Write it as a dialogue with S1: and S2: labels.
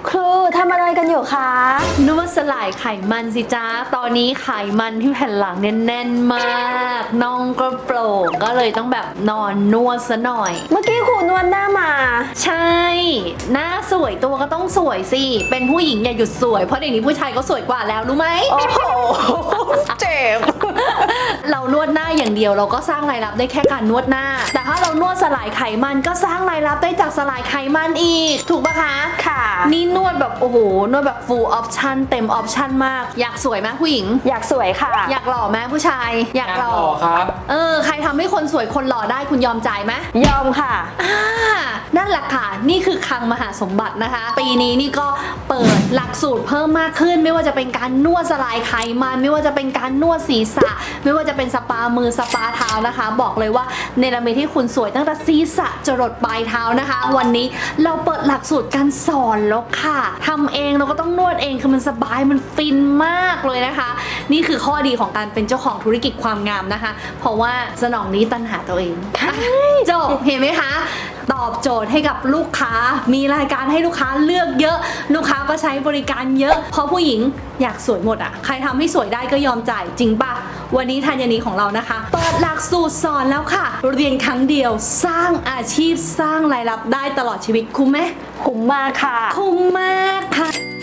S1: ครูทำอะไรกันอยู่คะ
S2: นวดสลายไขมันสิจ้าตอนนี้ไขมันที่แผ่นหลังเนี่ยแน่นมากน่องก็โปร่งก็เลยต้องแบบนอนนวดซะหน่อย
S1: เมื่อกี้ครูนวดหน้ามา
S2: ใช่ หน้าสวยตัวก็ต้องสวยสิ เป็นผู้หญิงอย่าหยุดสวย เพราะเดี๋ยวนี้ผู้ชายก็สวยกว่าแล้วรู้ไหม
S1: โอ้โห เจ็บ
S2: เรานวดหน้าอย่างเดียวเราก็สร้างรายรับได้แค่การนวดหน้า แต่ถ้าเรานวดสลายไขมันก็สร้างรายรับได้จากสลายไขมันอีก ถูกปะคะ
S1: ค่ะ
S2: นี่นวดแบบโอ้โหนวดแบบ full option เต็ม option มาก อยากสวยไหมผู้หญิง
S1: อยากสวยค่ะ
S2: อยากหล่อไหมผู้ชาย อยากหล่อ
S3: ครับ
S2: ใครทำให้คนสวยคนหล่อได้คุณยอมจ่ายไหม
S1: ยอมค่ะ
S2: นั่นแหละค่ะ นี่คือคลังมหาสมบัตินะคะ ปีนี้นี่ก็เปิดหลักสูตรเพิ่มมากขึ้น ไม่ว่าจะเป็นการนวดสลายไขมันไม่ว่าจะเป็นการนวดศีรษะ ไม่ว่าจะเป็นสปามือสปาเท้านะคะ บอกเลยว่าเนรมิตให้คุณสวยตั้งแต่ศีรษะจรดปลายเท้านะคะ วันนี้เราเปิดหลักสูตรการสอนแล้วค่ะทำเองเราก็ต้องนวดเองคือมันสบายมันฟินมากเลยนะคะ นี่คือข้อดีของการเป็นเจ้าของธุรกิจความงามนะคะ เพราะว่าสนองนี้ตัณหาตัวเองจบเห็นไหมคะ ตอบโจทย์ให้กับลูกค้า มีรายการให้ลูกค้าเลือกเยอะ ลูกค้าก็ใช้บริการเยอะ เพราะผู้หญิงอยากสวยหมดอ่ะ ใครทำให้สวยได้ก็ยอมจ่ายจริงปะวันนี้ธัญนีของเรานะคะ เปิดหลักสูตรสอนแล้วค่ะ เรียนครั้งเดียวสร้างอาชีพสร้างรายรับได้ตลอดชีวิตคุ้มไหม
S1: คุ้มมากค่ะ
S2: คุ้มมากค่ะ